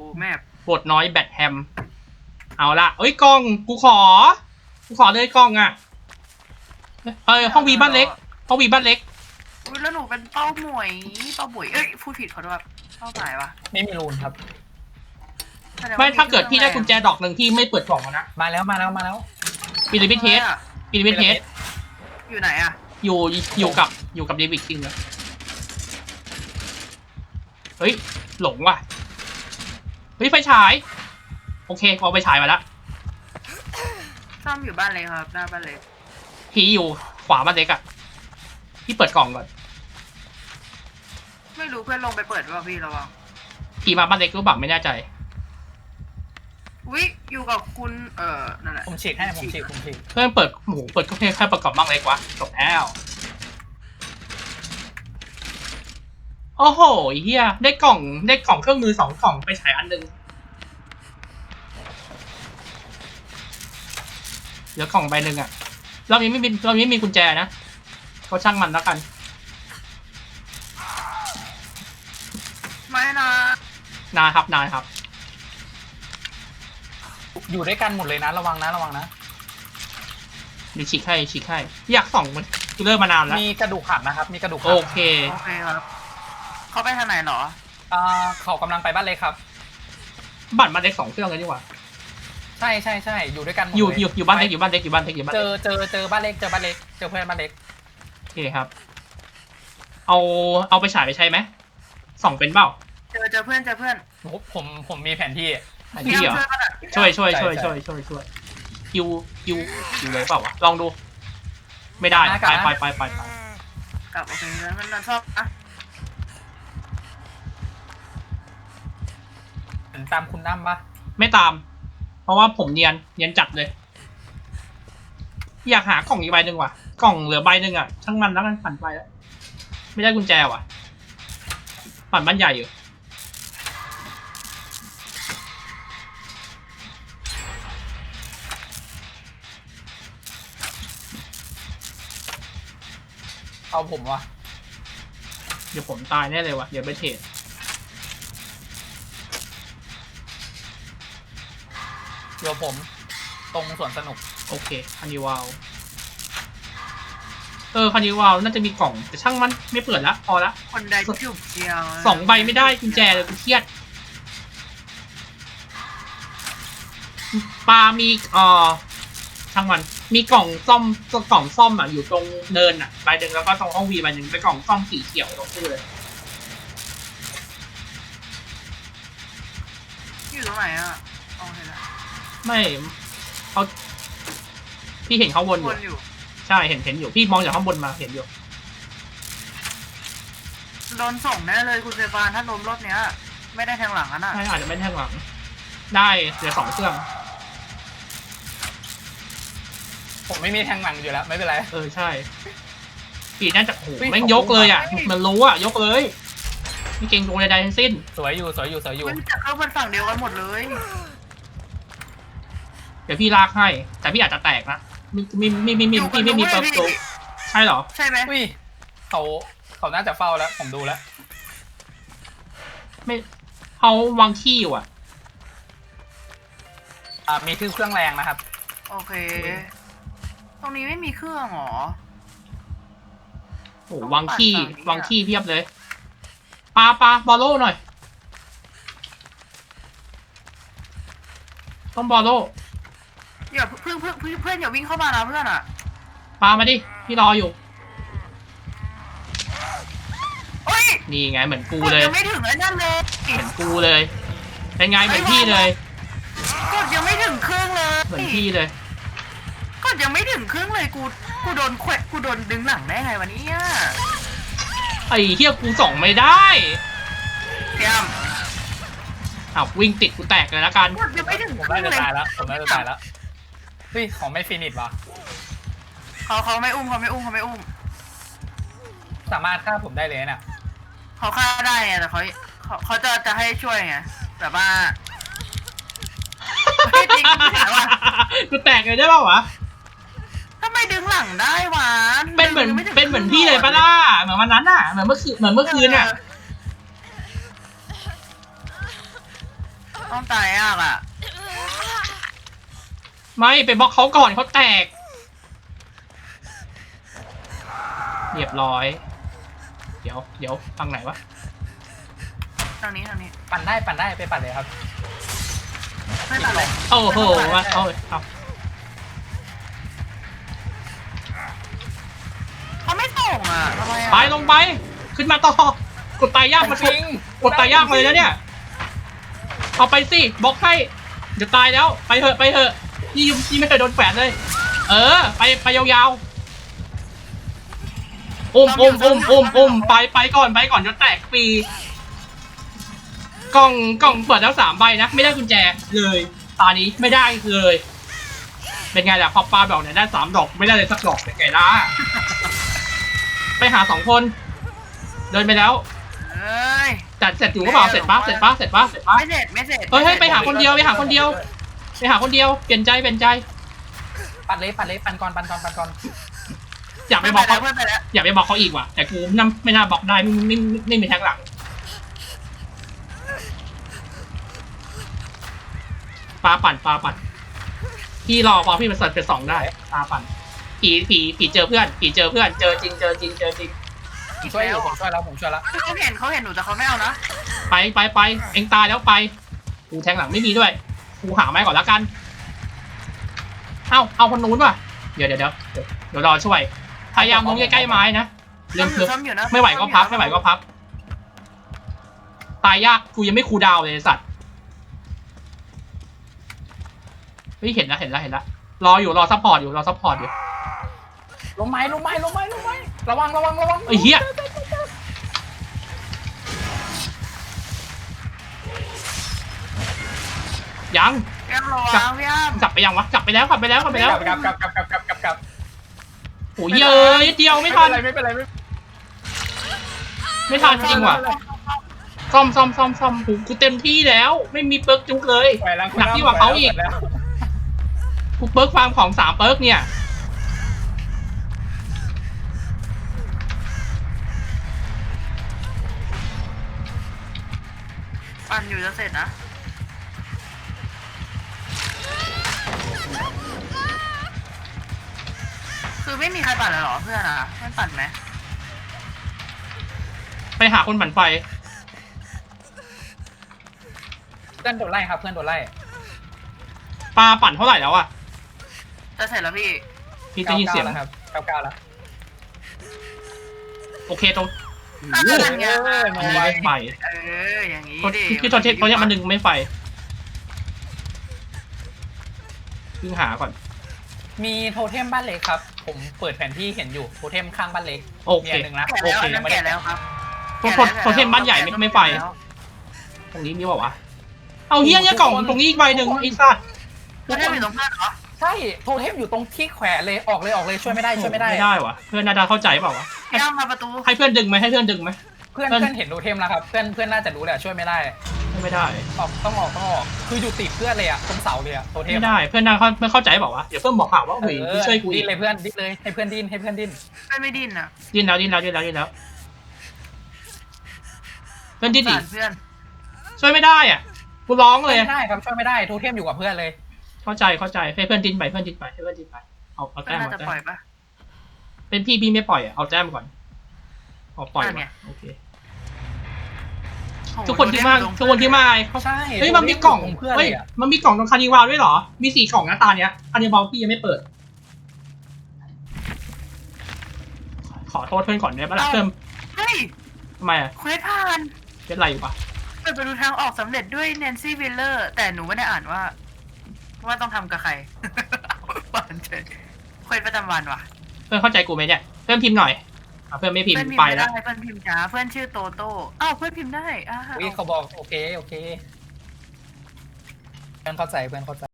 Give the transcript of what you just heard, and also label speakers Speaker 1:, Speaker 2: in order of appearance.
Speaker 1: แมพ
Speaker 2: ปวดน้อยแบทแฮมเอาละเอ้ยกล้องกูขอเลยกล้องอ่ะห้องวีบ้านเล็กห้องวีบ้านเล็ก
Speaker 1: อุ้ยแล้วหนูเป็นเป้าหมวยเอ้ยพูดผิดขอโทษเป้าหมายปะ
Speaker 3: ไม่มีรูนครับ
Speaker 2: ไม่ถ้าเกิดพี่ได้กุญแจดอกหนึ่งพี่ไม่เปิดกล่องนะ
Speaker 3: มาแล้ว
Speaker 2: ปีริบิเทส
Speaker 1: อยู่ไหนอะ
Speaker 2: อยู่กับเดวิดจริงเหรอเฮ้ยหลงว่ะเฮ้ยไฟฉายโอเคเอาไฟฉายมาแล้ว
Speaker 1: ซ่อมอยู่บ้านเล็กครับหน้าบ้านเล็ก
Speaker 2: พี่อยู่ขวาบ้านเล็กอ่ะพี่เปิดกล่องก่อน
Speaker 1: ไม่รู้เพื่อนลงไปเปิดว่าพี่ระวัง
Speaker 2: พี่มาบ้านเล็กรู้บังไม่แน่ใจ
Speaker 1: วิอยู่กับคุณนั่นแหละ
Speaker 3: ผมฉีกให้ผมฉีก
Speaker 2: เพื่อนเปิดหมูเปิดก็แค่ประกอบบ้างเล็กวะจบแล้วโอ้โหเฮียได้กล่องเครื่องมือ2 กล่องไปฉายอันนึงเหลือกล่องใบหนึ่งอ่ะเรายังไม่มีกุญแจนะก็ช่างมันแล้วกัน
Speaker 1: ไม่นะ
Speaker 2: นายครับ
Speaker 3: อยู่ด้วยกันหมดเลยนะระวังนะ
Speaker 2: เดี๋ยวฉีกให้อยากส่องมันเริ่มมานานแล้ว
Speaker 3: มีกระดูกหักนะครับมีกระดูกหัก
Speaker 2: โอเค
Speaker 1: ครับเขาไปทางไหนหรอ
Speaker 3: เขากำลังไปบ้านเล็กครับ
Speaker 2: บัตรมาเล็ก2 เครื่องเลยดีกว่า
Speaker 3: ใช่อยู่ด้วยกัน
Speaker 2: อยู่บ้านเล็กเจอบ้านเล็ก
Speaker 3: เจอบ้านเล็กเจอเพื่อนบ้านเล็ก
Speaker 2: โอเคครับเอาไปฉายไปใช้ไหมส่องเป็นเปล่า
Speaker 1: เจอเพื่อน
Speaker 3: ผมมีแผนที่
Speaker 2: เหรอช่วยคิวเลยเปล่าวะลองดูไม่ได้ไป
Speaker 1: กลับโอเคแล้วมันชอบ
Speaker 3: ตามคุณน้ำปะ
Speaker 2: ไม่ตามเพราะว่าผมเนียนจัดเลยอยากหากล่องอีกใบหนึ่งว่ะกล่องเหลือใบหนึ่งอ่ะช่างมันแล้วกันผ่านไปแล้วไม่ได้กุญแจว่ะผ่านบ้านใหญ่อยู่
Speaker 3: เอาผมวะ
Speaker 2: เดี๋ยวผมตายแน่เลยว่ะเดี๋ยวไปเทรด
Speaker 3: เดี๋ยวผมตรงสวนสนุก
Speaker 2: โอเคคานิวาลคานิวาลน่าจะมีกล่องแต่ช่างมันไม่เปิดละพอละ
Speaker 1: คนใดจุบเดียว
Speaker 2: 2 ใบไม่ได้กุญแจเลยกูเครียดปลามีช่างมันมีกล่องซ่อมอ่ะอยู่ตรงเนินอ่ะใบหนึ่งแล้วก็ตรงห้องวีใบหนึ่งเป็นกล่องซ่อมสีเขียวตรงตู้เลย
Speaker 1: อยู่ตรงไหนอ่ะโอเคละ
Speaker 2: ไม่เขาพี่เห็นเขาวนอยู่ใช่เห็นอยู่พี่มองจากข้างบนมาเห็นอยู่
Speaker 1: โดนส่งแน่เลยคุณเซฟานถ้าล้มรอบเนี้ยไม่ได้แทงหลังอ่ะนะ
Speaker 2: ใช่อาจจะไม่แทงหลังได้เหลือ2 เครื่อง
Speaker 3: ผมไม่มีแทงหลังอยู่แล้วไม่เป็นไร
Speaker 2: ใช่ปีน่าจะโหแม่งยกเลยอ่ะมันรู้อ่ะยกเลยไม่เก่งตรงใดๆทั้งสิ้น
Speaker 3: สวยอยู่
Speaker 1: มันจะเข้าบนฝั่งเดียวกันหมดเลย
Speaker 2: เดี๋ยวพี่ลากให้แต่พี่อาจจะแตกนะพี่ไม่มีเปิร์กใช่เหรอ
Speaker 1: ใช่ไหม
Speaker 3: เขาน่าจะเฝ้าแล้วผมดูแล้ว
Speaker 2: ไม่เขาวางขี้อยู่อ่ะ
Speaker 3: มีเครื่องแรงนะครับ
Speaker 1: โอเคตรงนี้ไม่มีเครื่องหรอ
Speaker 2: โอ้วางขี้เพียบเลยปลาบอลโล่หน่อยต้องบอลโล่
Speaker 1: อย่าเพื่อนอย่าวิ่งเข้ามานะเพื่อนอ่ะ
Speaker 2: ปลามาดิพี่รออยู่นี่ไงเหมือนกูเลย
Speaker 1: ยังไม่ถึงแล้วนั่นเลย
Speaker 2: เหมือนกูเลยเป็นไงเหมือนพี่เลย
Speaker 1: กดยังไม่ถึงครึ่งเลย
Speaker 2: เหมือนพี่เลย
Speaker 1: กดยังไม่ถึงครึ่งเลยกูโดนแขวะกูโดนดึงหลังได้ไงวันนี้
Speaker 2: ไอ้เหี้ยกูส่องไม่ได้
Speaker 1: เตรียม
Speaker 2: วิ่งติดกูแตกเลยละกัน
Speaker 1: กดยังไม่ถึง
Speaker 3: ผมน่าจะตายแล้วเฮ้ยของไม่ฟินิชวะ
Speaker 1: เขาไม่อุ้ม
Speaker 3: สามารถฆ่าผมได้เลยน่ะ
Speaker 1: เขาฆ่าได้ไงแต่เขาจะให้ช่วยไงแต่ว่าจริง
Speaker 2: กูแตกเลยได้ป่าววะ
Speaker 1: ทำไมดึงหลังได้วะ
Speaker 2: เป็นเหมือนพี่เลยปะล่ะเหมือนวันนั้นอ่ะเหมือนเมื่อคืนอ่ะ
Speaker 1: ต้องตายยากอ่ะ
Speaker 2: ไม่ไปบล็อกเขาก่อนเขาแตกเรียบร้อย เดี๋ยวฟังไหนวะ
Speaker 1: ทางนี้
Speaker 3: ปั่นได้ไปปั่นเลยครับ
Speaker 1: ไม่ตัดเลย
Speaker 2: โอ้โหว่าเอา
Speaker 1: เขาไม่ส่งอ่ะทำไมอ่ะ
Speaker 2: ไปลงไปขึ้นมาต่อกดตายยากมาทุกกดตายยากเลยนะเนี่ยเอาไปสิบล็อกให้เดี๋ยวตายแล้วไปเถอะยี่ไม่เคยโดนแฝดเลยไปยาวๆไปก่อนจะแตกปีกล่องเปิดแล้ว3 ใบนะไม่ได้กุญแจเลยตานี้ไม่ได้เลยเป็นไงล่ะพอปลาดอกเนี่ยได้3 ดอกไม่ได้เลยสักดอกเป็นไงล่ะไปหา2 คนเดินไปแล้ว
Speaker 1: เอ้ย
Speaker 2: จัดเสร็จอยู่ก็เปล่าเสร็จปะ
Speaker 1: ไม่เสร็จ
Speaker 2: เฮ้ยไปหาคนเดียวเปลี่ยนใจ
Speaker 3: ปั่นเลยปั่นก่อน
Speaker 2: อยากไปบอกเขาอยากไปบอกเขาอีกว่ะแต่กูไม่น่าบอกได้ไม่มีแทงหลังปลาปั่นพี่รอพอพี่มันเสร็จเป็น2ได้ปลาปั่นผีเจอเพื่อนเจอจริง
Speaker 3: ผมช่วยแล้ว
Speaker 1: เขาเห็นหนูแต่เขาไม่เอานะ
Speaker 2: ไปเอ็งตายแล้วไปกูแทงหลังไม่มีด้วยกูหาไม้ก่อนแล้วกันเอาคนนู้นว่ะเดี๋ยวรอช่วยพยายามลงใกล้ๆไม้นะเรื่องคือไม่ไหวก็พักตายยากกูยังไม่คูลดาวน์เลยสัตว์เห็นแล้วรอซัพพอร์ตอยู่
Speaker 3: ลงไม้ระวัง
Speaker 2: ไอ้เหี้ยยัง
Speaker 1: พี่อ้ำระวังพี่อ้ำ
Speaker 2: กลับไปยังวะกลับไปแล้ว
Speaker 3: กลับ
Speaker 2: โอ้ยเยอะนิดเดียวไม่ทัน
Speaker 3: ไม่เป็นไร
Speaker 2: ไม่ทันจริงว่ะซ่อมกูเต็มที่แล้วไม่มีเปิร์กจุกเลยหนักที่กว่าเขาอีกกูเปิร์กฟาร์มของ3 เปิร์กเนี่ย
Speaker 1: ปั่นอยู่จะเสร็จนะคือไม่มีใครปั่นเลยเหรอเพื่อนอ่ะเพื่อนปั่นไหม
Speaker 2: ไปหาคนปั่นไฟ
Speaker 3: เพื่อนโดนไล่ครับเพื่อนโดนไล่
Speaker 2: ปลาปั่นเท่าไหร่แล้วอะ
Speaker 1: จะเสร็จแล้วพี่
Speaker 2: พี่ได้ยินเสียง
Speaker 3: แล้วครับ99แล้ว
Speaker 2: โอเคตรง
Speaker 1: อันนี้
Speaker 2: อันนี้ไม่ไฟ
Speaker 1: อย่างนี้
Speaker 2: ที่ตอนเนี้ยมันดึงไม่ไฟเพิ่งหาก่อน
Speaker 3: มีโทเทมบ้านเล็กครับ ผมเปิดแผนที่เห็นอยู่โทเทมข้างบ้านเล็ก
Speaker 2: โอเค
Speaker 3: มี1นะ
Speaker 1: แก่แล้วครับ
Speaker 2: โทเทมบ้านใหญ่ไม่ไฟตรงนี้มีเปล่าวะเอาเฮี้ยเนี่ยกล่องตรงนี้อีกใบหนึ่งไอ้สัส
Speaker 1: เพื่อนอยู่ตรงเพื่อนเหรอ
Speaker 3: ใช่โทเทมอยู่ตรงที่แขวนเลยออกเลยช่วยไม่ได้
Speaker 2: ไม่ได้วะเพื่อนน่าจะเข้าใจเปล่าวะ
Speaker 1: พี่อ้ำมาประตู
Speaker 2: ให้เพื่อนดึงไหม
Speaker 3: เพื่อนเห็นโทเทมแล้วครับเพื่อนน่าจะรู้แหละช่วยไม่ได้
Speaker 2: ไม่ได้
Speaker 3: ต้องออกคืออยู่ติดเพื่อนเลยอะตรงเสาเลยอะโทเทม
Speaker 2: ไม่ได้เพื่อนน่าไม่เข้าใจเปล่าวะเดี๋ยวเพื่อนบอกข่าวว่าเฮ้ยพี่ช่วยกูอี
Speaker 3: ดิ้
Speaker 2: ก
Speaker 3: นเลยเพื่อนดิ้นเลยให้เพื่อนดิ้น
Speaker 1: เพื่อนไม่ดิ้นอ่ะ
Speaker 2: ดิ้นแล้วเพื่อนดิ้นอีก
Speaker 1: เพื่อน
Speaker 2: ช่วยไม่ได้อ่ะกูร้องเลย
Speaker 3: ไม่ได้ครับช่วยไม่ได้โทเทมอยู่กับเพื่อนเลย
Speaker 2: เข้าใจให้เพื่อนดิ้นไปให้เพื่อนดิ้นไปเอา
Speaker 1: เพื่อ
Speaker 2: แต้
Speaker 1: น
Speaker 2: ม
Speaker 1: น่าจะปล่อยปะ
Speaker 2: เป็นพี่ไม่ปล่อยเอาแต้มก่อนเอาปล่อยมาโอเคทุกคนที่มาเขา
Speaker 3: ใช่
Speaker 2: เฮ้ยมันมีกล่อง
Speaker 3: เพื่อน
Speaker 2: เฮ้
Speaker 3: เลย ยอะ
Speaker 2: มันมีกล่องตรงคานิวาลด้วยเหรอมี4 กล่องนะตาเนี้ยคานิวาลพี่ยังไม่เปิดขอโทษเพื่อนก่อนได้ปะล่ะเพิ่ม
Speaker 1: เฮ้ย
Speaker 2: ทำไมอ่ะ
Speaker 1: เควสผ่าน
Speaker 2: เป็นไรอยู่ปะ
Speaker 1: เปิดไปดูทางออกสำเร็จด้วยแนนซี่วิลเลอร์แต่หนูไม่ได้อ่านว่าต้องทำกับใครปั่นเฉยเควสประจำวันว่ะ
Speaker 2: เพื่อนเข้าใจกูไหมเนี่ยเพื่อนพิมพ์หน่อยเพื่อนไม่พิมพ์ไปแล้ว
Speaker 1: เพื่อนพิมพ์จ้าเพื่อนชื่อโตโต้อ้าวเพื่อนพิมพ์ได้
Speaker 3: เขาบอกโอเคเพื่อนเข้าใจ